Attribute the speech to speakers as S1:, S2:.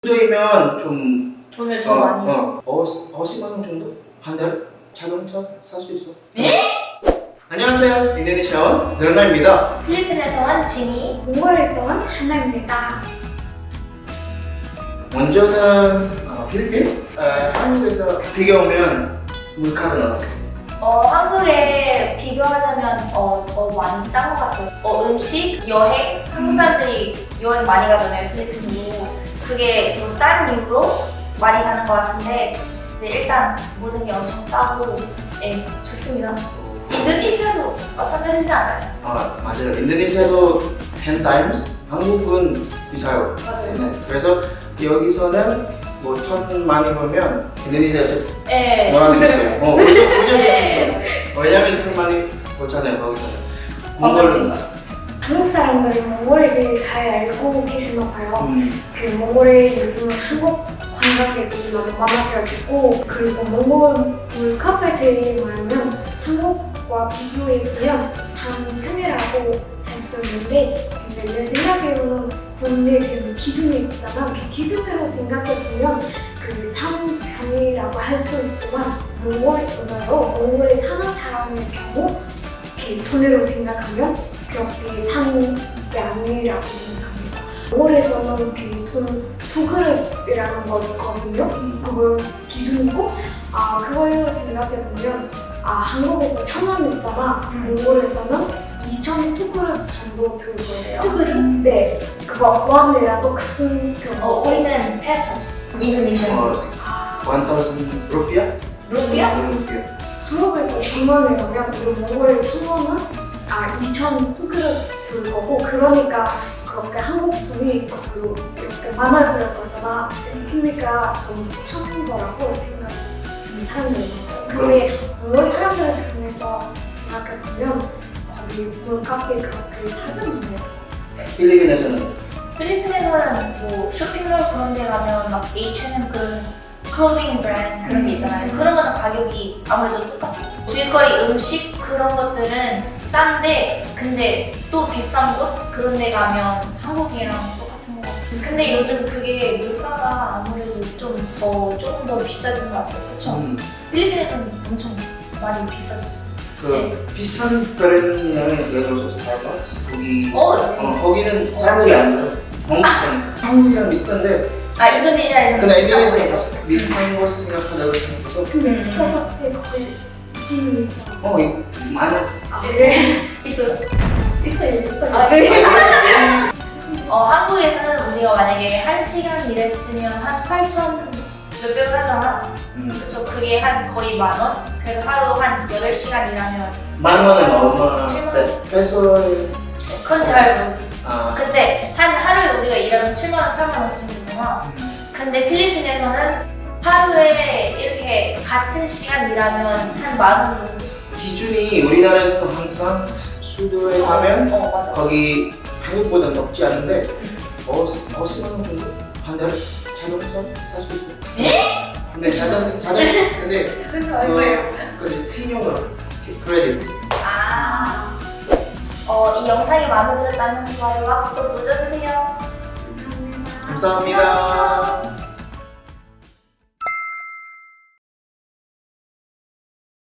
S1: 주도이면 좀
S2: 돈을 더 많이.
S1: 50만 원 정도? 한 달? 자동차 살 수 있어.
S2: 네?
S1: 안녕하세요. 인도네시아원 르나입니다.
S2: 필리핀에서 온 지니.
S3: 몽골에서 온 하나입니다.
S1: 먼저는 필리핀? 한국에서 비교하면 물가는 어떻게?
S2: 한국에 비교하자면 더 많이 싼 것 같아요. 음식, 여행, 한국 사람들이 여행 많이 가잖아요, 필리핀으로. 그게 더 싼 이유로 많이 가는 것 같은데, 네, 일단 모든 게 엄청 싸고, 네, 좋습니다. 인도네시아도 마찬가지지 않아요?
S1: 맞아요. 인도네시아도 10 times? 한국은 비싸요.
S2: 맞아요.
S1: 네, 그래서 여기서는 뭐 돈 많이 벌면 인도네시아에서
S2: 네.
S1: 뭐라고 했어요? 부자될 수
S2: 네.
S1: 있어. 왜냐면 돈 많이 벌잖아요, 거기서는.
S2: 관광객인가요?
S3: 한국 사람들이 몽골에 대해 잘 알고 계시나 봐요. 그 몽골에 요즘은 한국 관광객이 너무 많아져 있고, 그리고 몽골 물컵에 대해 말하면 한국과 비교해 보면 상편이라고 할 수 있는데, 근데 내 생각으로는 돈의 그 기준이 있잖아. 그 기준으로 생각해 보면 그 상편이라고 할 수 있지만 몽골 돈으로 몽골에 사는 사람의 경우 이렇게 돈으로 생각하면 그렇게 산 게 아니라고 생각합니다. 몽골에서는 그 두 그릇이라는 거 있거든요. 그걸 기준이고, 그걸로 생각해 보면 한국에서 1,000원 있잖아. 몽골에서는 2,000 그릇 정도 들 거예요.
S2: 두 그릇?
S3: 네, 그거 원이라도 큰 경우.
S2: 우리는 페소스. 인도네시아.
S1: 1,000 루피아?
S2: 루피아?
S1: 루피아.
S3: 한국에서 1,000원이라면 우리 몽골 1,000원은 2,000 그릇 들 거고, 그러니까 그렇게 한국 돈이 거기로 이렇게 많아질 거잖아. 그러니까 좀 싼 거라고 생각하는 사람들이 많아요. 근데 몽골 사람들 편에서 생각해 보면 거기 물값이 그렇게 사지 않아요.
S1: 필리핀에서는
S2: 필리핀에서는 뭐 쇼핑몰 그런 데 가면 막 H&M 그런 클로징 브랜드 그런 게 있잖아요. 그런 거는 가격이 아무래도 똑같아요. 길거리 음식 그런 것들은 싼데 근데 또 비싼 곳 그런 데 가면 한국이랑 똑같은 거 같아요. 근데 요즘 그게 물가가 아무래도 조금 더 비싸진 것 같아요. 그쵸? 필리핀에서는 엄청 많이 비싸졌어요.
S1: 그 비싼 브랜드는 예를 들어서 스타벅스 거기
S2: 네.
S1: 거기는 사람들이 안 들어. 너무 비싸니까. 한국이랑 비슷한데
S2: 인도네시아에서는
S1: 근데
S2: 비싼
S1: 인도네시아에
S2: 거예요.
S1: 비싼 거 생각하다고 생각해서
S3: 근데 스타벅스에 거의 있기는 있잖아.
S1: 이거 많아.
S3: 네.
S2: 있어요?
S3: 있어요.
S2: 네. 한국에서는 우리가 만약에 1시간 일했으면 한 8,000 몇백을 하잖아. 그쵸? 그게 한 거의 10,000원? 그래서 하루 한 8시간 일하면
S1: 10,000원에 얼마?
S2: 7만
S1: 네, 페소에
S2: 그건 잘 모르겠어. 근데 한 하루에 우리가 일하면 7만원, 8만원 정도 되잖아. 근데 필리핀에서는 하루에 이렇게 같은 시간 일하면 한 10,000원 정도.
S1: 기준이 우리나라에서 항상 수도에 가면
S2: 맞아.
S1: 거기 한국보다 높지 않은데 50만 원 정도? 한 달에 자동차 살 수 있어.
S2: 네?
S1: 근데 자동차 근데
S3: 그래서 얼마예요?
S1: 그 신용으로 크레딧.
S2: 이 영상이 마음에 들었다면 좋아요와 구독 눌러주세요.
S1: 감사합니다.